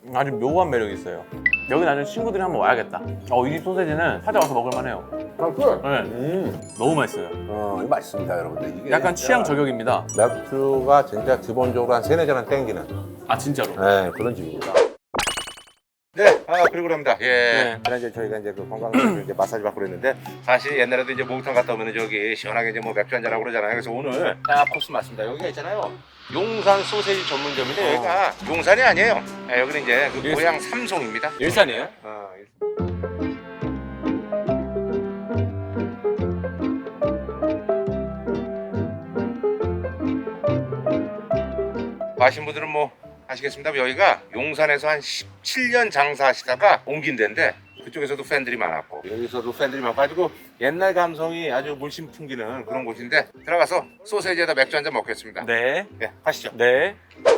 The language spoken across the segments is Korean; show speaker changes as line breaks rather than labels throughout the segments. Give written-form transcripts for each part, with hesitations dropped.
아주 묘한 매력이 있어요. 여기 나중에 친구들이 한번 와야겠다. 이 집 소세지는 찾아와서 먹을만해요.
아, 그래?
네, 너무 맛있어요.
이거 맛있습니다, 여러분들. 이게
약간
진짜
취향 저격입니다.
맥주가 진짜 기본적으로 한 3-4잔은 땡기는
아 진짜로.
네, 그런 집입니다. 네, 그리고 그럽니다. 예.
네.
그래 이제 저희가 이제 그 관광객들 이제 마사지 받고 그랬는데 사실 옛날에도 이제 목욕탕 갔다 오면은 저기 시원하게 이제 뭐 맥주 한잔 하고 그러잖아요. 그래서 오늘 딱 코스 맞습니다. 여기가 있잖아요. 용산 소세지 전문점인데 여기가 용산이 아니에요. 네, 여기는 이제 그 고향 삼송입니다.
일산이에요?
아시는 분들은 뭐 아시겠습니다. 여기가 용산에서 한 17년 장사하시다가 옮긴 데인데 그쪽에서도 팬들이 많았고 여기서도 팬들이 많아가지고 옛날 감성이 아주 물씬 풍기는 그런 곳인데 들어가서 소세지에다 맥주 한잔 먹겠습니다.
네.
네, 가시죠.
네.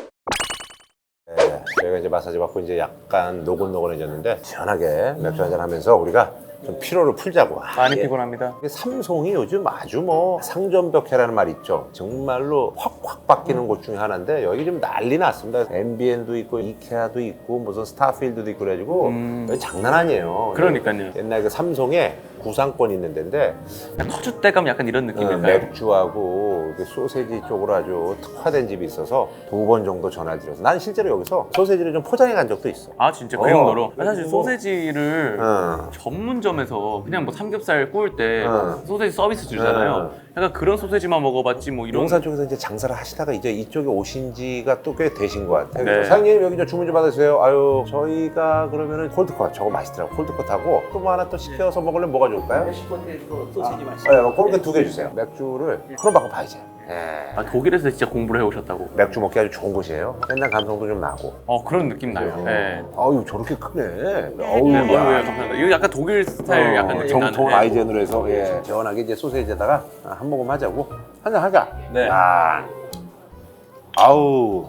저희가 이제 마사지 받고 이제 약간 노곤노곤해졌는데 시원하게 맥주 한잔 하면서 우리가 좀 피로를 풀자고.
많이 피곤합니다.
삼송이 요즘 아주 뭐 상점벽해라는 말 있죠. 정말로 확확 바뀌는 곳 중에 하나인데 여기 좀 난리 났습니다. MBN도 있고 이케아도 있고 무슨 스타필드도 있고 그래가지고 여기 장난 아니에요.
그러니까요.
옛날 그 삼송에 구상권 있는 데인데
터줏대감 약간 이런 느낌일까요?
맥주하고 그 소세지 쪽으로 아주 특화된 집이 있어서 2번 정도 전화를 드려서 난 실제로 여기서 소세지를 좀 포장해 간 적도 있어.
아 진짜 그 정도로? 사실
그리고-
소세지를 전문점에서 그냥 뭐 삼겹살 구울 때 소세지 서비스 주잖아요. 약간 그런 소세지만 먹어봤지 뭐 이런.
용산 쪽에서 이제 장사를 하시다가 이제 이쪽에 오신 지가 또 꽤 되신 것 같아요.
네.
사장님 여기 좀 주문 좀 받으세요. 아유 저희가 그러면은 콜드컷 저거 맛있더라고. 콜드컷하고 또 뭐 하나 또 시켜서 먹으려면 뭐가 좋을까요?
멕시코테이크 소시지 맛있어요.
네, 그렇게 2개 주세요. 맥주를 그럼 받고 봐야지. 예.
독일에서 진짜 공부를 해오셨다고.
맥주 먹기 아주 좋은 곳이에요. 옛날 감성도 좀 나고.
그런 느낌 나요. 네.
아유 저렇게 크네.
네,
어우
감사합니다. 이거 약간 독일 스타일 약간 느낌
정통
나는데.
아이젠으로 해서 시원하게 이제 소세지에다가 한 모금 하자고 한잔 하자.
네.
야. 아우.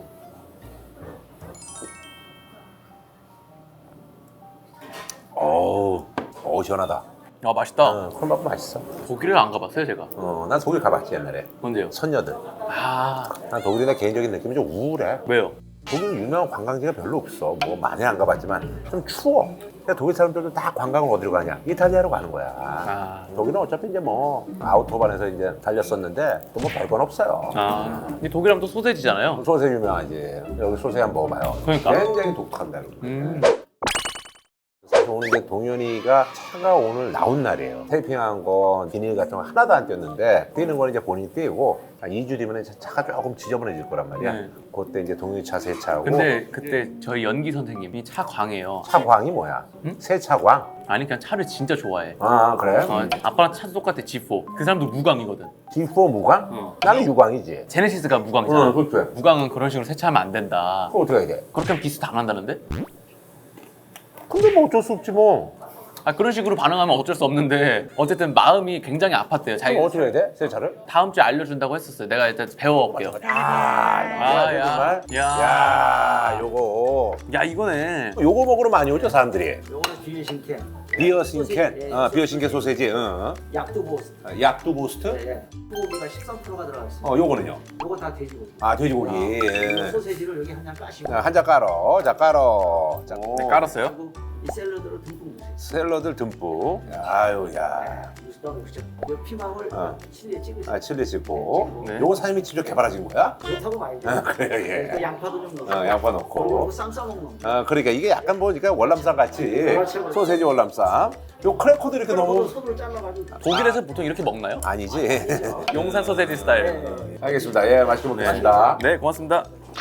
어우 시원하다.
맛있다.
그럼 먹고 맛있어.
독일을 안 가봤어요 제가.
난 독일 가봤지 옛날에.
뭔데요?
선녀들.
아
난 독일이 내 개인적인 느낌이 좀 우울해.
왜요?
독일 유명한 관광지가 별로 없어. 뭐 많이 안 가봤지만 좀 추워. 그러니까 독일 사람들도 다 관광을 어디로 가냐? 이탈리아로 가는 거야. 독일은 어차피 이제 뭐 아우토반에서 이제 달렸었는데 또 뭐 별건 없어요.
이 독일하면 또 소세지잖아요.
소세지 유명하지. 여기 소세지 한번 먹어봐요.
그러니까.
굉장히 독특합니다. 사실 오늘 이제 동현이가 차가 오늘 나온 날이에요. 테이핑한 거 비닐 같은 거 하나도 안 꼈는데 뛰는 거는 이제 본인이 뛰고 한 2주 뒤면 차가 조금 지저분해질 거란 말이야.
네.
그때 이제 동현이 차 세차하고.
근데 그때 저희 연기 선생님이 차 광이에요.
차광이 뭐야?
응?
세차광?
아니 그냥 차를 진짜 좋아해.
아 그래?
아빠랑 차 똑같아 G4. 그 사람도 무광이거든.
D4 무광? 나는 유광이지.
제네시스가 무광이잖아.
그렇죠.
무광은 그런 식으로 세차하면 안 된다.
그거 어떻게 해야 돼?
그렇게 하면 기스 당한다는데?
근데 뭐 어쩔 수 없지 뭐.
그런 식으로 반응하면 어쩔 수 없는데 어쨌든 마음이 굉장히 아팠대요. 자기
그럼 어떻게 해야 돼? 세차를?
다음 주에 알려준다고 했었어요. 내가 일단 배워올게요.
야, 정말. 야, 요거.
야 이거네.
요거 먹으러 많이 오죠 사람들이.
요거는 비유신캔.
비어신캔,
소세지,
비어신캔 소세지.
약도 보스.
약두 보스트?
네. 소고기가 13%가 들어가 있어요.
요거는요?
요거 다 돼지고기.
아 돼지고기.
이 소세지를 여기 한 장 까시고.
한 잔 깔어. 자 깔어. 자,
네, 깔았어요?
그리고 이 샐러드를 듬뿍 넣으세요.
샐러드를 듬뿍. 아유 야.
넣으시죠. 이 피망을 칠리에 찍으세요.
칠리 찍고.
네.
요거 사장님이 직접 개발하신 거야?
그렇다고 말이죠.
그래요 예.
또 양파도 좀 넣어요.
양파
그리고
넣고.
쌈 싸먹는 거.
그러니까 이게 약간 보니까 월남쌈 같이
그렇죠.
소세지 월남쌈. 요 크래커도 이렇게
그리고
너무
손으로 잘라가지고.
독일에서 보통 이렇게 먹나요?
아니지.
용산 소세지 스타일.
알겠습니다. 예, 맛있게 먹겠습니다.
네 고맙습니다.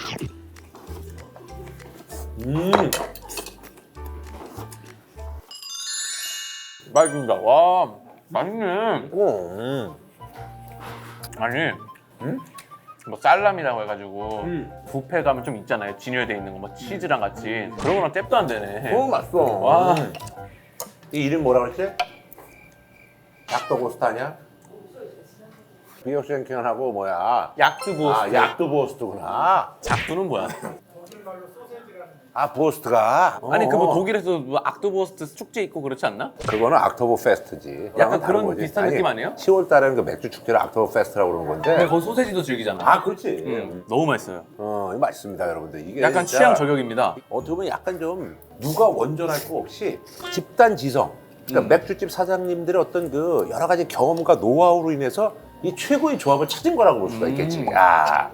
맛있습니다. 와 맛있네. 아니 뭐 살람이라고 해가지고 뷔페 가면 좀 있잖아요. 진열돼 있는 거 뭐 치즈랑 같이 그런 거랑 잽도 안 되네.
맛있어.
와.
이 이름 뭐라 그랬지? 닥터고스트 아니야? 비어생ken하고 뭐야?
약두보스트.
약두보스트구나.
작두는 뭐야?
아 보스트가.
아니 그 뭐 독일에서 뭐 악토버스트 축제 있고 그렇지 않나?
그거는 악토버 페스트지.
약간
다른
그런 비슷한 느낌 아니에요?
10월 달에는 그 맥주 축제를 악토버 페스트라고 그러는 건데.
근데 거기 소세지도 즐기잖아.
아 그렇지.
너무 맛있어요.
이거 맛있습니다 여러분들. 이게
약간
진짜
취향 저격입니다.
어떻게 보면 약간 좀 누가 원전할 거 없이 집단 지성. 그러니까 맥주집 사장님들의 어떤 그 여러 가지 경험과 노하우로 인해서 이 최고의 조합을 찾은 거라고 볼 수가 있겠지. 야.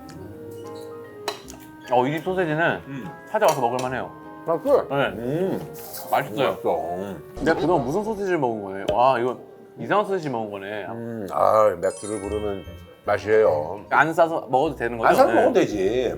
이 집 소세지는 찾아와서 먹을만해요.
맛있어.
네. 맛있어요.
맛있어.
내가 그동안 무슨 소세지를 먹은 거네. 와 이거 이상한 소세지 먹은 거네.
맥주를 부르는 맛이에요.
안 싸서 먹어도 되는 거죠?
안 사서
네.
먹으면 되지.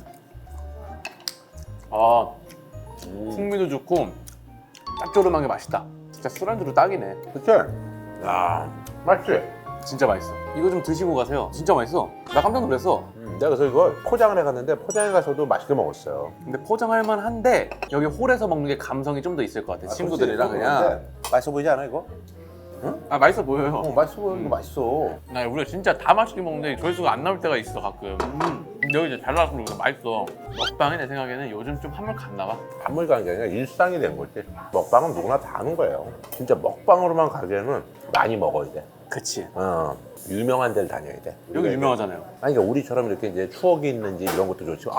풍미도 좋고 짭조름한 게 맛있다. 진짜 술안주로 딱이네.
그치? 야, 맛있지?
진짜 맛있어. 이거 좀 드시고 가세요. 진짜 맛있어. 나 깜짝 놀랐어.
내가 그래서 이걸 포장을 해갔는데 포장해 가서도 맛있게 먹었어요.
근데 포장할 만한데 여기 홀에서 먹는 게 감성이 좀 더 있을 것 같아. 친구들이랑 그냥.
맛있어 보이지 않아 이거?
맛있어 보여요.
맛있어 보여. 이거 맛있어.
나 우리가 진짜 다 맛있게 먹는데 조회수가 안 나올 때가 있어 가끔. 근데 여기 이제 잘 나왔으면 맛있어. 먹방이 내 생각에는 요즘 좀 한물 갔나 봐.
한물 가는 게 아니라 일상이 된 거지. 먹방은 누구나 다 하는 거예요. 진짜 먹방으로만 가기에는 많이 먹어야 돼.
그치.
유명한 데를 다녀야 돼.
여기 유명하잖아요.
아니 그러니까 우리처럼 이렇게 이제 추억이 있는지 이런 것도 좋지만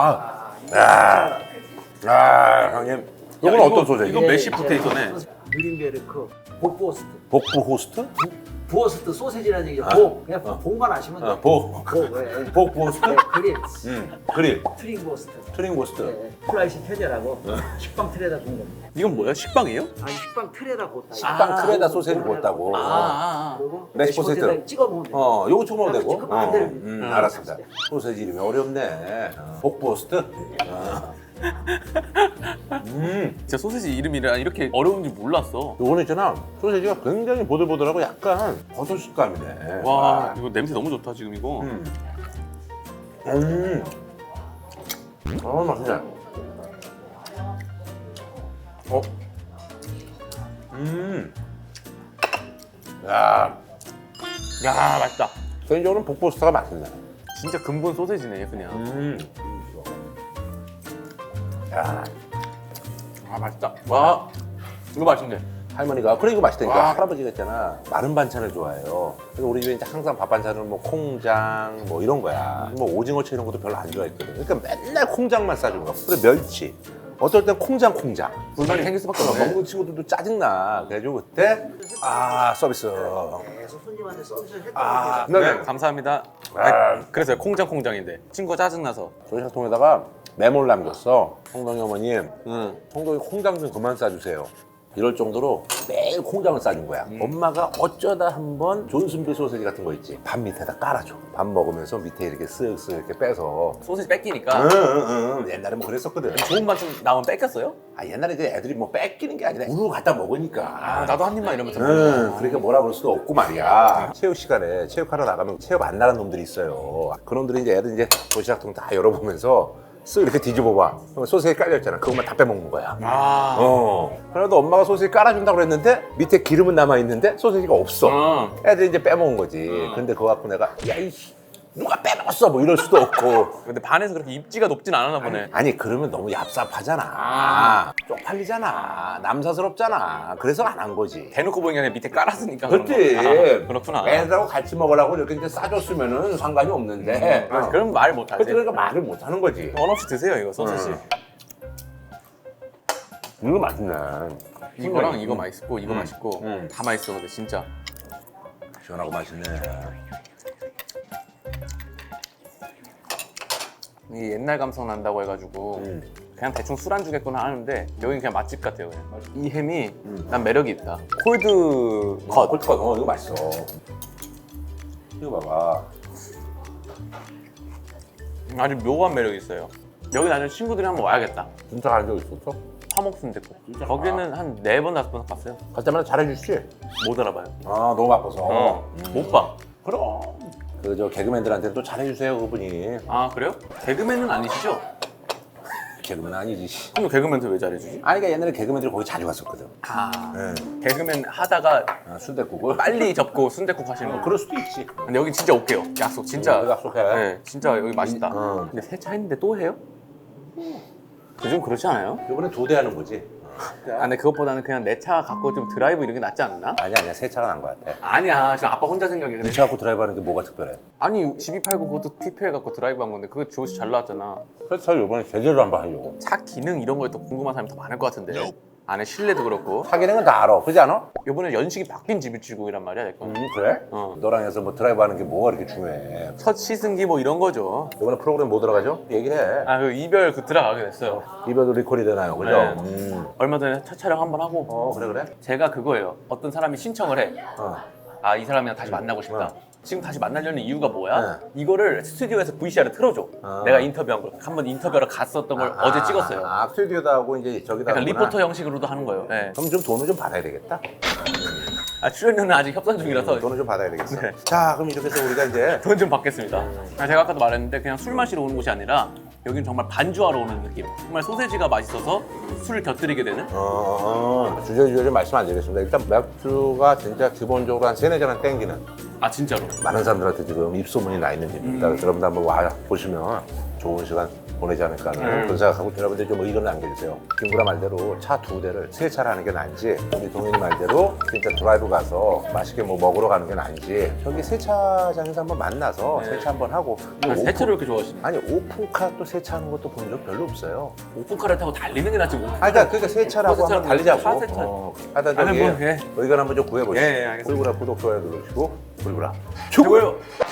형님 이건 어떤 소재지?
이건 메시 포테이토네.
누린베르크 복보스트.
복부 호스트?
부어스트 소세지라는 얘기죠. 복. 그냥 복만 아시면 돼.
복.
예.
복부 호스트?
그릴.
그릴.
트링보스트.
트링 호스트.
예. 플라이시 테제라고 식빵 틀에다 구운 겁니다.
이건 뭐야? 식빵이에요?
아니 식빵 틀에다 구웠다.
식빵 틀에다 소세지 구웠다고.
그리고
메시 포테이토.
찍어 먹으면 돼.
요거 찍어 먹으면 되고.
찍으면 안 되는
알았습니다. 소세지 이름이 어렵네. 복부 호스트?
진짜 소세지 이름이라 이렇게 어려운지 몰랐어.
요거는 있잖아. 소세지가 굉장히 보들보들하고 약간 버섯 식감이네.
와 이거 냄새 너무 좋다 지금 이거.
맛있네.
야 맛있다.
개인적으로는 복보스트가 맛있네.
진짜 근본 소세지네 그냥.
야,
맛있다. 와 이거 맛있네.
할머니가 그래 이거 맛있다니까.
와.
할아버지가 있잖아 마른 반찬을 좋아해요. 그래서 우리 집에 이제 항상 밥 반찬은 뭐 콩장 뭐 이런 거야. 뭐 오징어채 이런 것도 별로 안 좋아했거든. 그러니까 맨날 콩장만 싸준 거야. 그래 멸치. 어떨 땐 콩장.
불만이 생길 수밖에
먹는
없네.
친구들도 짜증나. 그래가지고 그때 서비스.
계속 손님한테 서비스를 했다.
네.
감사합니다. 그래서 콩장인데 친구가 짜증나서.
조리사통에다가 메모를 남겼어. 홍동이 어머님, 홍동이 콩장 좀 그만 싸주세요. 이럴 정도로 매일 콩장을 싸준 거야. 엄마가 어쩌다 한번 존슨비 소세지 같은 거 있지. 밥 밑에다 깔아줘. 밥 먹으면서 밑에 이렇게 쓱쓱 이렇게 빼서.
소세지 뺏기니까.
옛날에 뭐 그랬었거든.
좋은 맛 좀 나오면 뺏겼어요?
옛날에 그 애들이 뭐 뺏기는 게 아니라 우르르 갖다 먹으니까.
나도 한 입만 이러면서.
그러니까 뭐라 그럴 수도 없고 말이야. 체육 시간에 체육하러 나가면 체육 안 나간 놈들이 있어요. 그놈들이 이제 애들 이제 도시락통 다 열어보면서 쓱 이렇게 뒤집어 봐. 그럼 소세지 깔려있잖아. 그것만 다 빼먹는 거야. 그래도 엄마가 소세지 깔아준다고 그랬는데 밑에 기름은 남아있는데 소세지가 없어. 애들이 이제 빼먹은 거지. 근데 그거 갖고 내가 야 이씨 누가 빼먹었어 뭐 이럴 수도 없고.
근데 반에서 그렇게 입지가 높진 않았나 보네.
아니 그러면 너무 얍삽하잖아. 쪽팔리잖아. 남사스럽잖아. 그래서 안 한 거지.
대놓고 보이는 게 아니라 밑에 깔았으니까.
그렇지.
그런 거. 그렇구나.
애들하고 같이 먹으라고 이렇게 이제 싸줬으면은 상관이 없는데.
그럼 말 못하지.
그러니까 말을 못 하는 거지.
원 없이 드세요 이거 소세지.
이거 맛있네.
이거랑 이거 맛있고 이거 맛있고 다 맛있어 근데 진짜.
시원하고 맛있네.
이 옛날 감성 난다고 해가지고 그냥 대충 술 안 주겠구나 하는데 여긴 그냥 맛집 같아요 그냥. 이 햄이 난 매력이 있다. 콜드 컷.
콜드컷. 이거 맛있어. 이거 봐봐.
아주 묘한 매력이 있어요. 여기 나중에 친구들이 한번 와야겠다.
진짜 간 적 있었어?
화목순댓국. 거기는 한 4번 5번 갔어요.
갈 때마다 잘해주시지?
못 알아봐요.
아 너무 바빠서.
못 봐.
그럼. 그 저 개그맨들한테 또 잘해주세요 그분이.
아 그래요? 개그맨은 아니시죠?
개그맨 아니지.
그럼 개그맨한테 왜 잘해주지?
아니 그러니까 옛날에 개그맨들이 거기 자주 갔었거든.
개그맨 하다가
순댓국을.
빨리 접고 순댓국 하시는 거.
그럴 수도 있지.
근데 여기 진짜 올게요. 약속 진짜.
약속해.
네, 진짜 여기 맛있다. 근데 세차 했는데 또 해요? 요즘 그렇지 않아요?
이번에 2대 하는 거지.
아, 근데 그것보다는 그냥 내 차 갖고 좀 드라이브 이런 게 낫지 않나?
아니야 새 차가 난 거 같아.
아니야, 지금 아빠 혼자 생각해.
네 차 갖고 드라이브 하는 게 뭐가 특별해?
아니, 집이 팔고 그것도 TPL 갖고 드라이브 한 건데 그거 조회수 잘 나왔잖아.
그래서 저 이번에 제대로 한번 하려고.
차 기능 이런 거에 더 궁금한 사람이 더 많을 것 같은데. 안에 실내도 그렇고.
차 기능은 다 알아. 그렇지 않아?
이번에 연식이 바뀐 GV70이란 말이야, 내 거.
그래?
어.
너랑 해서 뭐 드라이브 하는 게 뭐가 이렇게 중요해?
첫 시승기 뭐 이런 거죠.
이번에 프로그램 뭐 들어가죠? 얘기를 해.
아, 그 이별 그 들어가게 됐어요.
이별도 리콜이 되나요? 그죠?
네. 얼마 전에 차 촬영 한번 하고.
그래?
제가 그거예요. 어떤 사람이 신청을 해.
어.
아, 이 사람이랑 다시 만나고 싶다. 지금 다시 만나려는 이유가 뭐야?
네.
이거를 스튜디오에서 VCR을 틀어줘.
아.
내가 인터뷰한 걸. 한번 인터뷰하러 갔었던 걸 어제 찍었어요.
스튜디오다 하고 이제 저기다.
약간
하구나.
리포터 형식으로도 하는 거예요. 네.
그럼 좀 돈을 좀 받아야 되겠다.
아, 출연료는 아직 협상 중이라서
돈을 좀 받아야 되겠어.
네.
자, 그럼 이렇게 해서 우리가 이제
돈 좀 받겠습니다. 아, 제가 아까도 말했는데 그냥 술 마시러 오는 곳이 아니라 여긴 정말 반주하러 오는 느낌. 정말 소세지가 맛있어서 술을 곁들이게 되는.
주저주저 좀 말씀 안 드리겠습니다. 일단 맥주가 진짜 기본적으로 한 3-4잔은 땡기는
아, 진짜로.
많은 사람들한테 지금 입소문이 나 있는 집입니다. 그래서 여러분들 한번 와 보시면 좋은 시간 보내지 않을까 하는 그런 생각하고 여러분들 좀 의견을 남겨주세요. 김구라 말대로 차 2대를 새 차를 하는 게 나은지 우리 동현이 말대로 진짜 드라이브 가서 맛있게 뭐 먹으러 가는 게 나은지 저기 세차장에서 한번 만나서
네.
세차 한번 하고
아, 세차를 이렇게 좋아하시네.
아니 오픈카 또 세차하는 것도 본 적 별로 없어요.
오픈카를 타고 달리는 게 낫지.
그러니까 세차라고
세차는
한번 달리자고.
차 세차.
하여튼
아니,
저기
뭐, 예.
의견 한번 좀 구해보시죠.
예, 예, 알겠습니다.
불구라 구독 좋아요 누르시고 불구라
최고예요.